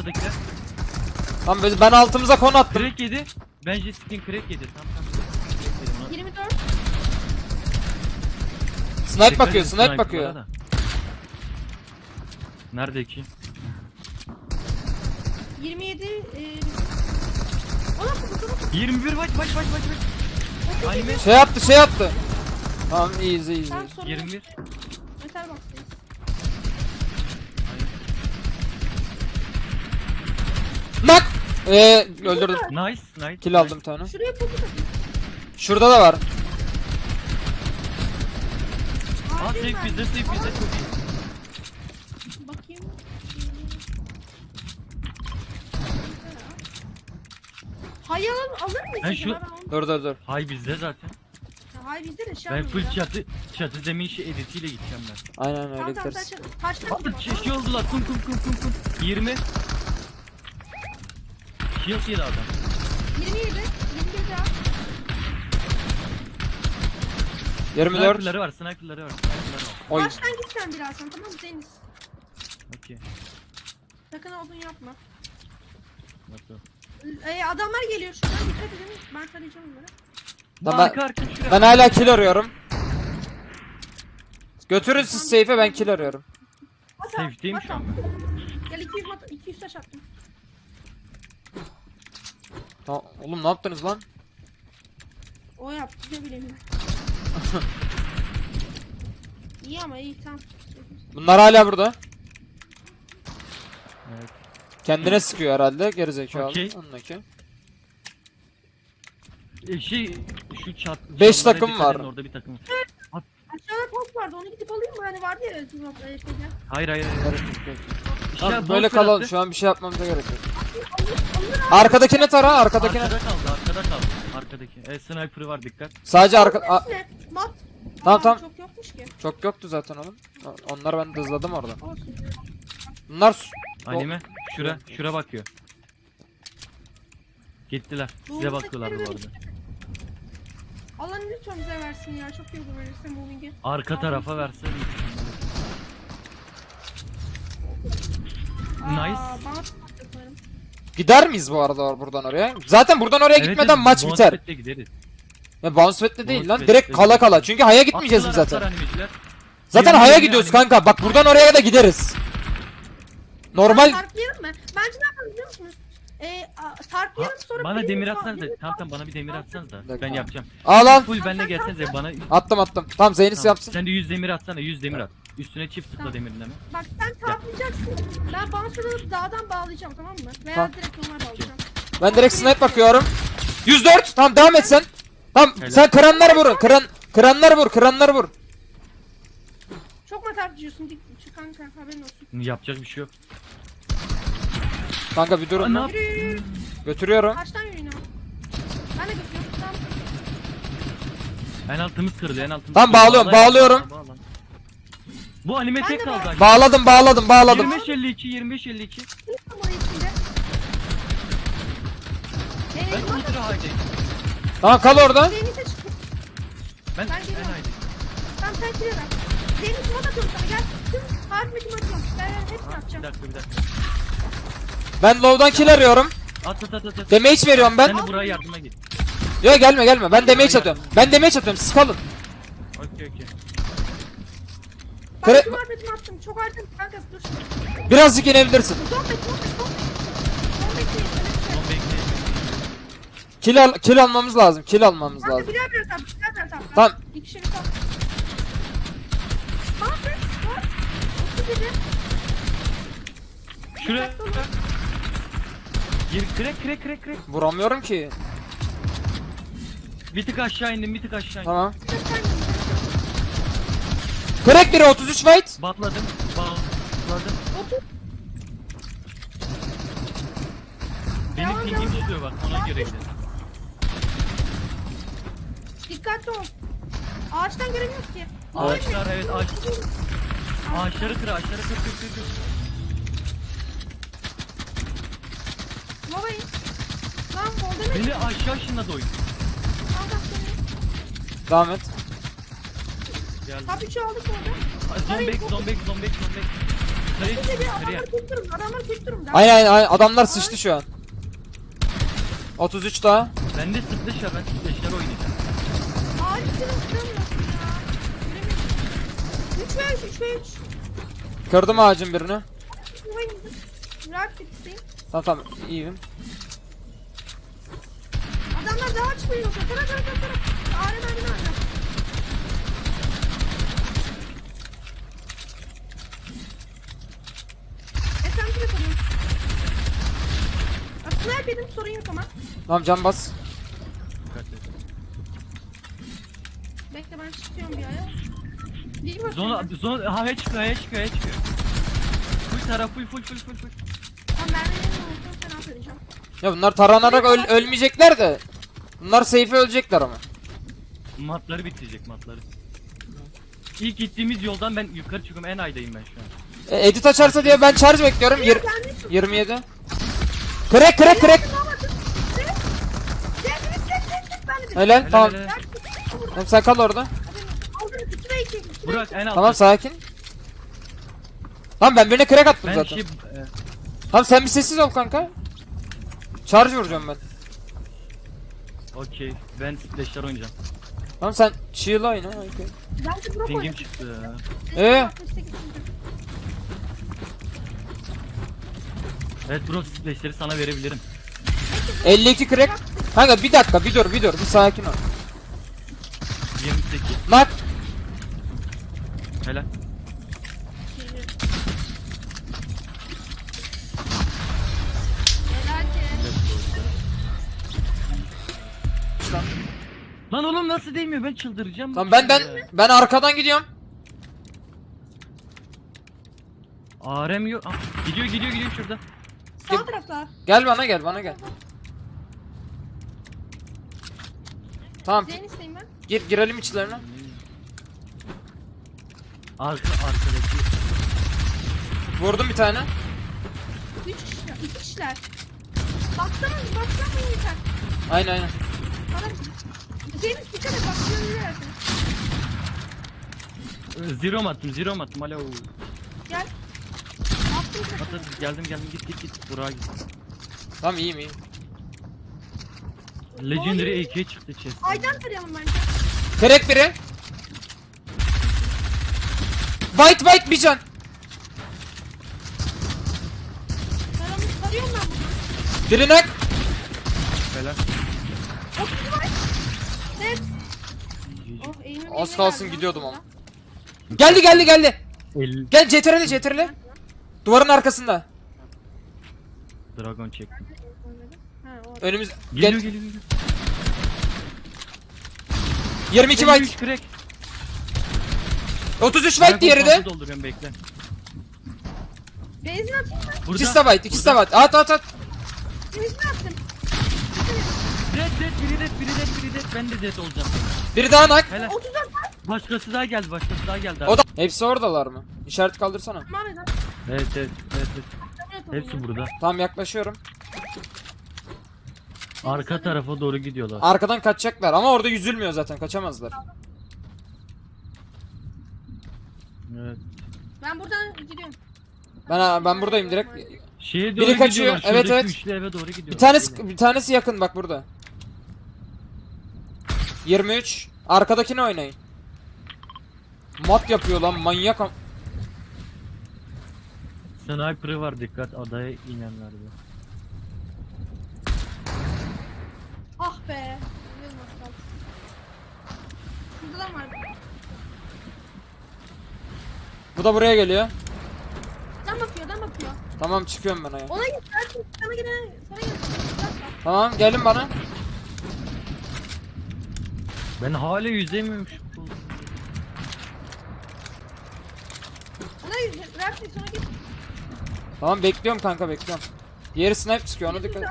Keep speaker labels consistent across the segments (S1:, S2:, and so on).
S1: ortadakiler.
S2: Tamam ben altımıza konu attım.
S1: Crack yedi. Bence skin crack yedi. Tamam.
S3: 24.
S2: Snipe bakıyor, snipe bakıyor.
S1: Nerede ki?
S3: 27. Ona kutu.
S1: 21 baş. Anime.
S2: Şey yaptı. Tamam easy.
S3: Tamam sorun.
S1: 21.
S3: Metal box'tayız.
S2: Nak! Öldürdüm.
S1: Nice.
S2: Kill aldım bir tane.
S3: Şuraya fokus atın.
S2: Şurada da var.
S1: Aa safe bizde çok iyi.
S3: Bakayım. Hay alır mıyız?
S1: Ben şu-
S2: Dur.
S1: Hay bizde zaten.
S3: Hay bizde de şey
S1: Ben full
S3: yapmıyor ya.
S1: çatı zemin editiyle gideceğim ben.
S2: Aynen öyle
S3: Tamam
S2: gideriz.
S3: sen taşla.
S1: Abi şey oldular. Kum. 20. Shield yedi adam.
S3: 27. 21 daha.
S2: 24.
S1: Sniper'ları var.
S2: Oy.
S3: Baştan git sen birazdan tamam mı Deniz?
S1: Okey.
S3: Sakın olduğunu yapma.
S1: Nasıl?
S3: Adamlar geliyor şuradan dikkat edin. Ben tarayacağım onları.
S2: Tamam,
S1: Arka şuraya.
S2: Ben hala kill arıyorum. Götürün siz safe'e, ben kill arıyorum.
S1: Safe'deyim şu an.
S3: Gel 200 taş attım.
S2: Tamam, oğlum ne yaptınız lan?
S3: O yaptı ne bileyim ben. İyi ama iyi tamam.
S2: Bunlar hala burada.
S1: Evet.
S2: Kendine sıkıyor herhalde gerizekalı.
S1: Okey.
S2: Ondaki.
S1: Şu çat.
S2: 5
S1: çatlara
S2: takım
S1: dikkat
S2: var.
S1: edin, orada bir takım.
S3: Aşağıda top vardı onu gidip alayım mı? Hani vardı ya tüm noktaya şeyler.
S1: Hayır.
S2: Tamam,
S1: İşte
S2: böyle
S1: boss
S2: kalalım,
S1: bıraktı.
S2: şu an bir şey yapmamıza gerek yok.
S3: Alır
S2: Arkadakine tara, arkadakine.
S1: Arkada kaldı. Arkadaki. Sniper'ı var dikkat.
S2: Sadece
S3: Ne? Mat.
S2: Tamam.
S3: Çok yokmuş ki.
S2: Çok yoktu zaten oğlum. Onlar ben hızladım orada.
S3: Olsun.
S2: Bunlar
S1: Anime. Şura bakıyor. Gittiler. Size bakıyorlardı bu arada.
S3: Allah lütfen bize versin ya. Çok iyi olur verirse moving'i.
S1: Arka tarafa verse. Nice.
S3: Bana yaparım.
S2: gider miyiz bu arada buradan oraya? Zaten buradan oraya gitmeden maç biter.
S1: Gideriz.
S2: Ya bounce pad'le değil lan.
S1: Bounce
S2: Direkt
S1: pad'le
S2: kala
S1: gideriz.
S2: kala. Çünkü haya gitmeyeceğiz biz zaten.
S1: Animeciler.
S2: Zaten
S1: 20
S2: haya
S1: anime.
S2: gidiyoruz kanka. Bak buradan oraya da gideriz. Normal.
S3: Tarplayalım mı? Bence ne yapalım biliyor musunuz? Tarplayalım sonra...
S1: Bana
S3: birini
S1: demir
S3: sal-
S1: atsanız da.
S3: birini
S1: Tamam bana bir demir atsanız da.
S2: dakika.
S1: Ben yapacağım.
S2: Al al.
S1: Full benle gelsenize bana.
S2: Attım. Tamam Zeynep
S1: Tamam.
S2: yapsın.
S1: Sen de 100 demir atsana 100 demir at. Üstüne çift tıkla
S3: Tamam.
S1: demirleme.
S3: Bak sen tarplayacaksın. Ben bouncer alıp dağdan bağlayacağım tamam mı? Veya
S2: Tamam.
S3: direkt normal bağlayacağım.
S2: Ben direkt snipe bakıyorum. 104. Tamam devam et sen. Tamam
S1: Helal.
S2: sen kıranları vurun. Kıranları vur.
S3: Çok mu tartışıyorsun? Şu kanka haberin olsun.
S1: Yapacak bir şey yok.
S2: Kanka bir durun.
S1: Ne
S2: lan.
S1: yap?
S3: Yürü.
S2: Götürüyorum.
S3: Kaçtan yürüyün ama? Ben de götürüyorum. Tamam.
S1: En altımız kırıldı en altımız.
S2: Tamam,
S1: kırıldı.
S2: bağlıyorum.
S1: Bağla. Bu anime
S3: Ben
S1: tek
S3: de
S1: kaldı.
S2: Bağladım.
S1: 25-52 25-52.
S3: Kim orayı içinde?
S1: Ben ultra high'dayım.
S2: Tamam kal orada.
S3: Deniz'e çık.
S1: Ben
S3: Ben geliyorum.
S1: high'dayım.
S3: Tamam sen kire ver. Deniz mod atıyorum sana gel. Tüm harf metin atıyorum. Ben hepsini
S1: Bir
S3: atacağım.
S1: dakika.
S2: Ben low'dan kill arıyorum.
S1: At.
S2: Damage veriyorum ben.
S1: Sen de buraya yardıma git.
S2: Yok gelme. Ben damage atıyorum. Siz kalın.
S1: Okey.
S3: Ben
S2: Kre-
S3: tüm harf metini attım. Çok harcadım kanka dur.
S2: Birazcık inebilirsin.
S3: Son bekle.
S1: Son bekleyin.
S2: Kill almamız lazım.
S3: Kanka birer tamam.
S2: Tamam.
S3: İki şey sal. Aferin. Var. 37.
S1: Şuraya. Gir crack.
S2: Vuramıyorum ki.
S1: Bir tık aşağı indim.
S2: Tamam. Crack biri 33 fight.
S1: Batladım.
S3: 30.
S1: Benim pingim tutuyor bak ona göre gidelim.
S3: Dikkatli ol. Ağaçtan göremiyoruz ki.
S1: Ağaçlar evet ağaç. Ağaçları kır.
S3: Babayı. Lan oldu ne?
S1: Beni aşağı ışınladı oyun.
S3: Allah seni.
S2: Devam et.
S1: Geldi.
S3: Top 3'ü aldık orada.
S1: Zombek. yukarıya çık yukarıya.
S3: Adamlar tek durumda. Adamlar tek durumda.
S2: Aynen adamlar sıçtı şu an. 33 daha.
S1: Ben de splash var, ben splash'lar oynayacağım.
S3: Ağaç kırılmıyorsun ya. Göremedim. 3 ve 3, 3 ve 3.
S2: Kırdım ağacın birini.
S3: Rahat bitsin.
S2: Tamam iyiyim.
S3: Adamlar daha çıkmıyor. Tara. Ağrı mermi alacağım. SMG de koruyorum. Sniper yedim, sorun yok ama.
S2: Tamam can bas.
S1: Dikkat et.
S3: Bekle ben çıkıyorum bir ara. Değil mi?
S1: Zona havaya çıkıyor. Full taraf full.
S3: Tamam ben de yedim olsun, sen alt edeceğim.
S2: Ya bunlar taranarak ölmeyecekler de. Bunlar safe'e ölecekler ama.
S1: Matları bitirecek matları. İlk gittiğimiz yoldan ben yukarı çıkıyorum, en aydayım ben şu an.
S2: Edit açarsa diye ben charge bekliyorum. 27. Crack. Helal tamam.
S1: Helal.
S2: Tamam sen kal orada.
S1: Burak en altta.
S2: Tamam sakin. Tamam ben birine crack attım
S1: Ben
S2: zaten.
S1: şey...
S2: Tamam sen bir sessiz ol kanka. Charge vuracağım ben.
S1: Okey, ben splash'lar oynayacağım.
S2: Tamam sen shield oyna. Okay.
S1: Pingim çıktı. Evet bro, splash'leri sana verebilirim.
S2: 52 crack. Kanka bir dakika bir dur bir sakin ol.
S1: 28.
S2: Nak.
S1: Helal. Lan oğlum nasıl değmiyor, ben çıldıracağım.
S2: Tamam ben arkadan gidiyorum.
S1: ARM yok. Ah, gidiyor şurada.
S3: Sağ tarafta.
S2: Gel bana gel. Tamam
S3: Zeyn isteyim ben.
S2: girelim içlerine.
S1: Arkadaki.
S2: Vurdum bir tane.
S3: 3 kişiler. 2 kişiler. Baksana yeter.
S2: Aynen.
S3: Adam. Zeyn dikkat et bak.
S1: Zero mu attım alo.
S3: Gel. Attım sana.
S1: At, geldim git Burak'a git.
S2: Tamam iyiyim.
S1: Legendary AK çıktı chest.
S3: Aydan tarayalım bence.
S2: Crack biri. White bir can.
S3: Tarıyorum ben bunu.
S2: Biri nak.
S1: Helal.
S3: 30 var. Evet. Oh, eğimim
S2: Az
S3: iyi
S2: kalsın
S3: geldi.
S2: gidiyordum ama. Geldi.
S1: 50
S2: Gel CTRL. Duvarın arkasında.
S1: dragon çektim.
S3: Ha, o.
S2: Önümüz
S1: Geliyor.
S2: 22 white.
S1: 53 crack.
S2: 33 white diğeri de.
S1: Dragon dolduruyorum, bekle.
S3: Benzin atayım mı?
S1: Burada.
S2: İkisi de white. At.
S3: Benzin attım.
S1: Biri red. Ben de red olacağım.
S2: Biri daha nak.
S1: Helal.
S3: 34 var.
S1: Başkası daha geldi.
S2: O da. Hepsi oradalar mı? İşaret kaldırsana.
S3: Tamam eder.
S1: Evet. Hepsi burada.
S2: Tamam yaklaşıyorum.
S1: Arka tarafa doğru gidiyorlar.
S2: Arkadan kaçacaklar ama orada yüzülmüyor zaten. Kaçamazlar.
S1: Evet.
S3: Ben buradan gidiyorum.
S2: Ben buradayım direkt.
S1: Şeye
S2: Biri
S1: doğru
S2: kaçıyor,
S1: gidiyorlar.
S2: evet,
S1: Şuradaki
S2: evet.
S1: üçlü eve doğru gidiyorlar.
S2: Bir tanesi yakın bak burada. 23. Arkadakini oynayın. Mat yapıyor lan manyak.
S1: Sniper'ı var, dikkat adaya inenlerde.
S3: Ah be. Bilmiyorum nasıl kaldı. Şurada da var.
S2: Bu da buraya geliyor.
S3: Dan bakıyor.
S2: Tamam çıkıyorum ben aya.
S3: Ona git. Sana gel.
S2: Tamam gelin bana.
S1: Ben hala yüzemiyorum şu.
S3: Ona git. Rahat sonra git.
S2: Tamam bekliyorum kanka bekliyorum. Diğeri snipe çıkıyor ona dikkat et.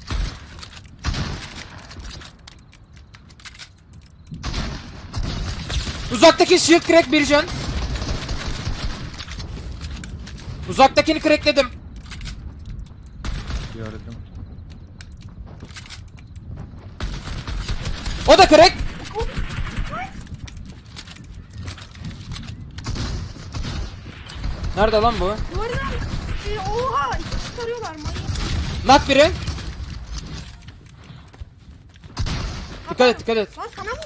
S2: Uzaktaki shield crack bir can. Uzaktakini crackledim.
S1: Gördüm.
S2: O da crack. Nerede lan bu?
S3: Duvarın
S2: Knock biri. Dikkat et, dikkat et.
S3: Lan sana mı?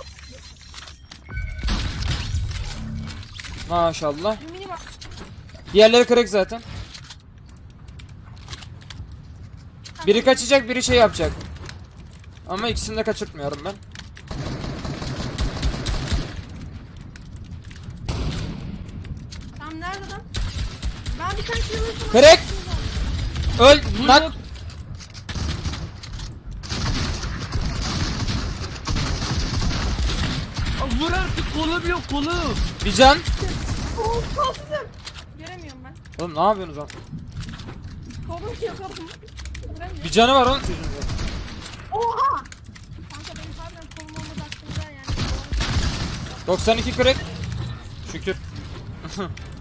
S2: Maşallah.
S3: Bir mini bak.
S2: Diğerleri kırık zaten. Biri kaçacak, biri şey yapacak. Ama ikisini de kaçırtmıyorum ben.
S3: Tamam nerede lan? Ben bir tane kill alırsam.
S2: Kırık. Öl.
S1: Vur,
S2: Knock.
S1: vur. Aa, vur artık, kolum yok, kolum.
S2: Bir can.
S3: Oo kalsızım. Göremiyorum ben.
S2: Oğlum ne yapıyorsunuz lan?
S3: Kolum yok kolum. Göremiyorum.
S2: Bir canı var oğlum çocuğun.
S3: Oha! Kanka benim harbiden kolum olmadı aklımda yani.
S2: 92 kırık. Şükür.